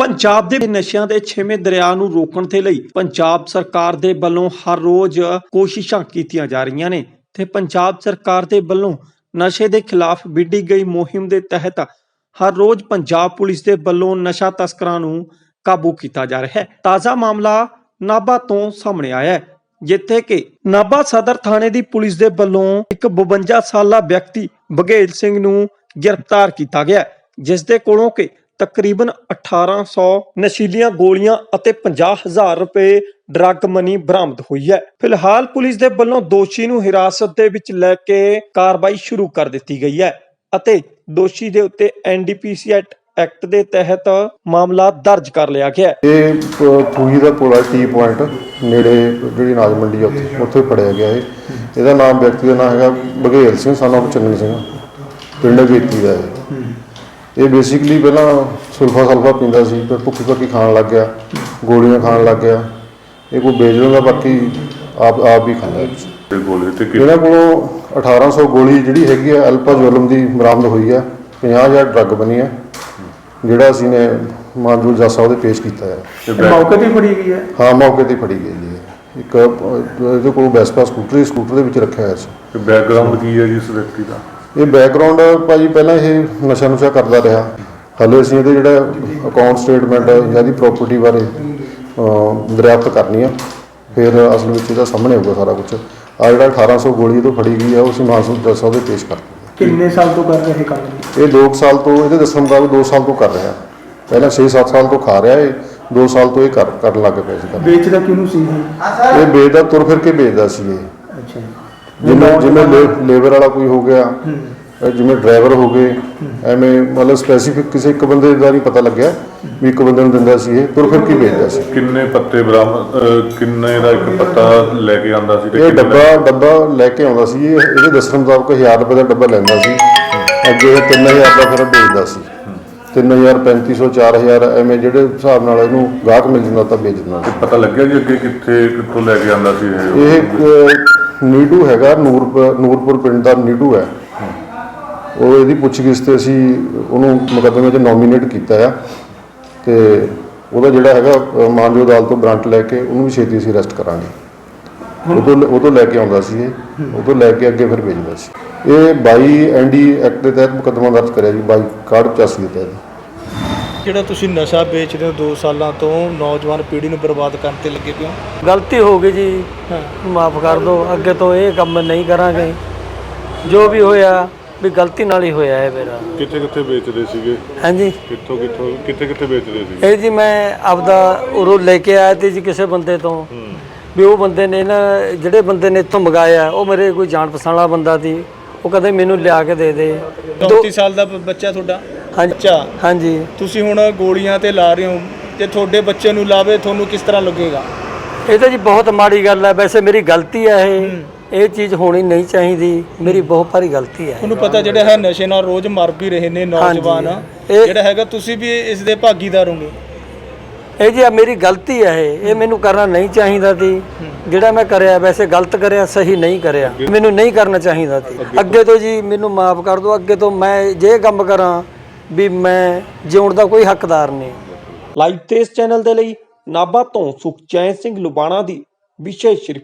ਪੰਜਾਬ ਦੇ ਨਸ਼ਿਆਂ ਦੇ ਛੇਵੇਂ ਦਰਿਆ ਨੂੰ ਰੋਕਣ ਦੇ ਲਈ ਪੰਜਾਬ ਸਰਕਾਰ ਦੇ ਵੱਲੋਂ ਹਰ ਰੋਜ਼ ਕੋਸ਼ਿਸ਼ਾਂ ਕੀਤੀਆਂ ਜਾ ਰਹੀਆਂ ਨੇ ਤੇ ਪੰਜਾਬ ਸਰਕਾਰ ਦੇ ਵੱਲੋਂ ਨਸ਼ੇ ਦੇ ਖਿਲਾਫ ਵਿੱਢੀ ਗਈ ਮੁਹਿੰਮ ਦੇ ਤਹਿਤ ਹਰ ਰੋਜ਼ ਪੰਜਾਬ ਪੁਲਿਸ ਦੇ ਵੱਲੋਂ ਨਸ਼ਾ ਤਸਕਰਾਂ ਨੂੰ ਕਾਬੂ ਕੀਤਾ ਜਾ ਰਿਹਾ ਹੈ। ਤਾਜ਼ਾ ਮਾਮਲਾ ਨਾਭਾ ਤੋਂ ਸਾਹਮਣੇ ਆਇਆ ਹੈ, ਜਿੱਥੇ ਕਿ ਨਾਭਾ ਸਦਰ ਥਾਣੇ ਦੀ ਪੁਲਿਸ ਦੇ ਵੱਲੋਂ ਇੱਕ 52 ਸਾਲਾ ਵਿਅਕਤੀ ਬਘੇਲ ਸਿੰਘ ਨੂੰ ਗ੍ਰਿਫਤਾਰ ਕੀਤਾ ਗਿਆ, ਜਿਸ ਦੇ ਕੋਲੋਂ ਕਿ ਤਕਰੀਬਨ 1800 ਨਸ਼ੀਲੀਆਂ ਗੋਲੀਆਂ ਅਤੇ 50,000 ਰੁਪਏ ਡਰੱਗ ਮਨੀ ਬਰਾਮਦ ਹੋਈ ਹੈ। ਫਿਲਹਾਲ ਪੁਲਿਸ ਦੇ ਵੱਲੋਂ ਦੋਸ਼ੀ ਨੂੰ ਹਿਰਾਸਤ ਦੇ ਵਿੱਚ ਲੈ ਕੇ ਕਾਰਵਾਈ ਸ਼ੁਰੂ ਕਰ ਦਿੱਤੀ ਗਈ ਹੈ ਅਤੇ ਦੋਸ਼ੀ ਦੇ ਉੱਤੇ NDPC ਐਕਟ ਦੇ ਤਹਿਤ ਮਾਮਲਾ ਦਰਜ ਕਰ ਲਿਆ ਗਿਆ ਹੈ। ਇਹ ਫੂਹੀ ਦਾ ਪੁਲ ਟੀ ਪੁਆਇੰਟ ਨੇੜੇ ਜਿਹੜੀ ਅਨਾਜ ਮੰਡੀ ਆ ਉੱਥੇ ਫੜਿਆ ਗਿਆ ਹੈ। ਇਹਦਾ ਨਾਮ ਵਿਅਕਤੀ ਦਾ ਨਾਮ ਹੈਗਾ ਬਘੇਲ ਸਿੰਘ ਸਾਨੂੰ ਚੰਨੀ ਸਿੰਘ, ਪਿੰਡ ਗੇਤੀ ਦਾ ਹੈ। ਇਹ ਬੇਸਿਕਲੀ ਪਹਿਲਾਂ ਸੁਲਫਾ ਪੀਂਦਾ ਸੀ, ਫਿਰ ਭੁੱਖੀ ਖਾਣ ਲੱਗ ਗਿਆ, ਗੋਲੀਆਂ ਖਾਣ ਲੱਗ ਗਿਆ। ਇਹ ਕੋਈ ਵੇਚ ਦਿੰਦਾ, ਬਾਕੀ ਆਪ ਵੀ ਖਾਂਦਾ। ਇਹਨਾਂ ਕੋਲੋਂ 1800 ਗੋਲੀ ਜਿਹੜੀ ਹੈਗੀ ਆ ਅਲਪਾਜ਼ੋਲਮ ਦੀ ਬਰਾਮਦ ਹੋਈ ਆ। 50,000 ਡਰੱਗ ਬਣੀ ਆ, ਜਿਹੜਾ ਅਸੀਂ ਨੇ ਮਾਨਜੂਰ ਜੱਜ ਸਾਹਿਬ ਦੇ ਪੇਸ਼ ਕੀਤਾ ਹੈ। ਮੌਕੇ ਤੇ ਫੜੀ ਗਈ ਹੈ? ਹਾਂ, ਮੌਕੇ ਤੇ ਫੜੀ ਗਈ ਹੈ। ਇੱਕ ਇਹਦੇ ਕੋਲ ਵੈਸਪਾ ਸਕੂਟਰ ਦੇ ਵਿੱਚ ਰੱਖਿਆ ਹੋਇਆ ਸੀ। ਬੈਕਗਰਾਉਂਡ ਕੀ ਹੈ ਜੀ ਇਸ ਵਿਅਕਤੀ ਦਾ? ਇਹ ਬੈਕਗਰਾਉਂਡ ਭਾਜੀ ਪਹਿਲਾਂ ਇਹ ਨਸ਼ਾ ਕਰਦਾ ਰਿਹਾ। ਹਾਲੇ ਅਸੀਂ ਇਹਦੇ ਜਿਹੜਾ ਅਕਾਊਂਟ ਸਟੇਟਮੈਂਟ ਜਾਂ ਇਹਦੀ ਪ੍ਰਾਪਰਟੀ ਬਾਰੇ ਦਰਿਆਫਤ ਕਰਨੀ ਆ, ਫਿਰ ਅਸਲ ਵਿੱਚ ਇਹਦਾ ਸਾਹਮਣੇ ਆਊਗਾ ਸਾਰਾ ਕੁਝ। ਆ ਜਿਹੜਾ 1800 ਗੋਲੀ ਤੋਂ ਫੜੀ ਗਈ ਆ, ਉਹ ਅਸੀਂ ਮਾਨਸੂਰ ਜੱਜ ਸਾਹਿਬ ਦੇ ਪੇਸ਼ ਕਰ ਦਿੱਤੀ। ਕਿੰਨੇ ਸਾਲ ਤੋਂ ਕਰ ਰਹੇ ਕੰਮ? ਇਹ 2 ਸਾਲ ਤੋਂ, ਇਹਦੇ ਦੱਸਣ ਮੁਤਾਬਕ 2 ਸਾਲ ਤੋਂ ਕਰ ਰਿਹਾ। ਪਹਿਲਾਂ 6-7 ਸਾਲ ਤੋਂ ਖਾ ਰਿਹਾ, ਇਹ 2 ਸਾਲ ਤੋਂ ਇਹ ਕਰਨ ਲੱਗ ਪਿਆ ਸੀ। ਵੇਚਦਾ ਕਿਹਨੂੰ ਸੀ ਇਹ ਵੇਚਦਾ, ਤੁਰ ਫਿਰ ਕੇ ਵੇਚਦਾ ਸੀ ਇਹ। ਅੱਛਾ, ਜਿਵੇਂ ਲੇਬਰ ਵਾਲਾ ਕੋਈ ਹੋ ਗਿਆ, ਜਿਵੇਂ ਡਰਾਈਵਰ ਹੋ ਗਏ, ਐਵੇਂ ਮਤਲਬ ਸਪੈਸੀਫਿਕ ਕਿਸੇ ਇੱਕ ਬੰਦੇ ਦਾ ਨਹੀਂ ਪਤਾ ਲੱਗਿਆ ਵੀ ਇੱਕ ਬੰਦੇ ਨੂੰ ਦਿੰਦਾ ਸੀ। ਇਹ ਤੁਰ ਫਿਰ ਕੇ ਵੇਚਦਾ ਸੀ। ਕਿੰਨੇ ਪੱਤੇ ਬਰਾਮਦ, ਕਿੰਨੇ ਦਾ ਇੱਕ ਪੱਤਾ ਲੈ ਕੇ ਆਉਂਦਾ ਸੀ? ਇਹ ਡੱਬਾ ਲੈ ਕੇ ਆਉਂਦਾ ਸੀ। ਇਹਦੇ ਦੱਸਣ ਮੁਤਾਬਕ 1000 ਰੁਪਏ ਦਾ ਡੱਬਾ ਲੈਂਦਾ ਸੀ, ਅੱਗੇ ਇਹ 3000 ਦਾ ਫਿਰ ਵੇਚਦਾ ਸੀ। 3000, 3500, 4000 ਐਵੇਂ ਜਿਹੜੇ ਹਿਸਾਬ ਨਾਲ ਇਹਨੂੰ ਗਾਹਕ ਮਿਲ ਜਾਂਦਾ ਤਾਂ ਵੇਚ ਦਿੰਦਾ ਸੀ। ਪਤਾ ਲੱਗਿਆ ਜੀ ਅੱਗੇ ਕਿੱਥੋਂ ਲੈ ਕੇ ਆਉਂਦਾ ਸੀ ਇਹ ਨੀਡੂ ਹੈਗਾ, ਨੂਰਪੁਰ ਪਿੰਡ ਦਾ ਨੀਡੂ ਹੈ। ਉਹ ਇਹਦੀ ਪੁੱਛਗਿੱਛ ਤੇ ਅਸੀਂ ਉਹਨੂੰ ਮੁਕੱਦਮੇ 'ਚ ਨੋਮੀਨੇਟ ਕੀਤਾ ਆ, ਤੇ ਉਹਦਾ ਜਿਹੜਾ ਹੈਗਾ ਮਾਨਜੋ ਅਦਾਲਤ ਤੋਂ ਵਾਰੰਟ ਲੈ ਕੇ ਉਹਨੂੰ ਵੀ ਛੇਤੀ ਅਸੀਂ ਅਰੈਸਟ ਕਰਾਂਗੇ। ਉਹ ਤੋਂ ਲੈ ਕੇ ਆਉਂਦਾ ਸੀ ਇਹ, ਉਹ ਤੋਂ ਲੈ ਕੇ ਅੱਗੇ ਫਿਰ ਵੇਚਦਾ ਸੀ। ਇਹ 22 ND ਐਕਟ ਦੇ ਤਹਿਤ ਮੁਕੱਦਮਾ ਦਰਜ ਕਰਿਆ ਜੀ, 22/85 ਦੇ ਤਹਿਤ। ਜਿਹੜਾ ਤੁਸੀਂ ਨਸ਼ਾ ਵੇਚਦੇ ਹੋ 2 ਸਾਲਾਂ ਤੋਂ, ਨੌਜਵਾਨ ਪੀੜ੍ਹੀ ਨੂੰ ਬਰਬਾਦ ਕਰਨ ਤੇ ਲੱਗੇ ਪਿਓ। ਗਲਤੀ ਹੋ ਗਈ ਜੀ, ਮਾਫ ਕਰ ਦਿਓ। ਅੱਗੇ ਤੋਂ ਇਹ ਕੰਮ ਨਹੀਂ ਕਰਾਂਗੇ। ਜੋ ਵੀ ਹੋਇਆ ਵੀ ਗਲਤੀ ਨਾਲ ਹੀ ਹੋਇਆ ਹੈ ਮੇਰਾ। ਕਿੱਥੇ ਵੇਚਦੇ ਸੀਗੇ? ਹਾਂਜੀ, ਕਿੱਥੇ ਵੇਚਦੇ ਸੀਗੇ? ਇਹ ਜੀ ਮੈਂ ਆਪਦਾ ਉਰੋਂ ਲੈ ਕੇ ਆਇਆ ਤੇ ਜੀ ਕਿਸੇ ਬੰਦੇ ਤੋਂ, ਵੀ ਉਹ ਬੰਦੇ ਨੇ ਨਾ, ਜਿਹੜੇ ਬੰਦੇ ਨੇ ਇੱਥੋਂ ਮੰਗਾਇਆ ਉਹ ਮੇਰੇ ਕੋਈ ਜਾਣ ਪਛਾਣ ਵਾਲਾ ਬੰਦਾ ਸੀ। ਉਹ ਕਹਿੰਦੇ ਮੈਨੂੰ ਲਿਆ ਕੇ ਦੇ ਦੇ। 34 ਸਾਲ ਦਾ ਬੱਚਾ ਤੁਹਾਡਾ? ਹਾਂਜੀ ਹਾਂਜੀ। ਤੁਸੀਂ ਹੁਣ ਗੋਲੀਆਂ ਤੇ ਲਾ ਰਹੇ ਹੋ, ਤੇ ਤੁਹਾਡੇ ਬੱਚੇ ਨੂੰ ਲਾਵੇ, ਤੁਹਾਨੂੰ ਕਿਸ ਤਰ੍ਹਾਂ ਲੱਗੇਗਾ? ਇਹ ਤਾਂ ਜੀ ਬਹੁਤ ਮਾੜੀ ਗੱਲ ਹੈ। ਵੈਸੇ ਮੇਰੀ ਗਲਤੀ ਹੈ, ਇਹ ਚੀਜ਼ ਹੋਣੀ ਨਹੀਂ ਚਾਹੀਦੀ। ਮੇਰੀ ਬਹੁਤ ਭਾਰੀ ਗਲਤੀ ਹੈ। ਤੁਹਾਨੂੰ ਪਤਾ ਜਿਹੜਾ ਹੈ ਨਸ਼ੇ ਨਾਲ ਰੋਜ਼ ਮਰ ਵੀ ਰਹੇ ਨੇ ਨੌਜਵਾਨ, ਜਿਹੜਾ ਹੈਗਾ ਤੁਸੀਂ ਵੀ ਇਸ ਦੇ ਭਾਗੀਦਾਰ ਹੋਗੇ। ਇਹ ਜੀ ਮੇਰੀ ਗਲਤੀ ਹੈ, ਇਹ ਮੈਨੂੰ ਕਰਨਾ ਨਹੀਂ ਚਾਹੀਦਾ ਸੀ। ਜਿਹੜਾ ਮੈਂ ਕਰਿਆ ਵੈਸੇ ਗਲਤ ਕਰਿਆ, ਸਹੀ ਨਹੀਂ ਕਰਿਆ, ਮੈਨੂੰ ਨਹੀਂ ਕਰਨਾ ਚਾਹੀਦਾ ਸੀ। ਅੱਗੇ ਤੋਂ ਜੀ ਮੈਨੂੰ ਮਾਫ ਕਰ ਦਿਓ। ਅੱਗੇ ਤੋਂ ਮੈਂ ਜੇ ਕੰਮ ਕਰਾਂ ਵੀ ਮੈਂ ਜਿਉਣ ਦਾ ਕੋਈ ਹੱਕਦਾਰ ਨਹੀਂ। ਲਾਈਵ ਤੇ ਇਸ ਚੈਨਲ ਦੇ ਲਈ ਨਾਭਾ ਤੋਂ ਸੁਖਚੈਨ ਸਿੰਘ ਲੁਬਾਣਾ ਦੀ ਵਿਸ਼ੇਸ਼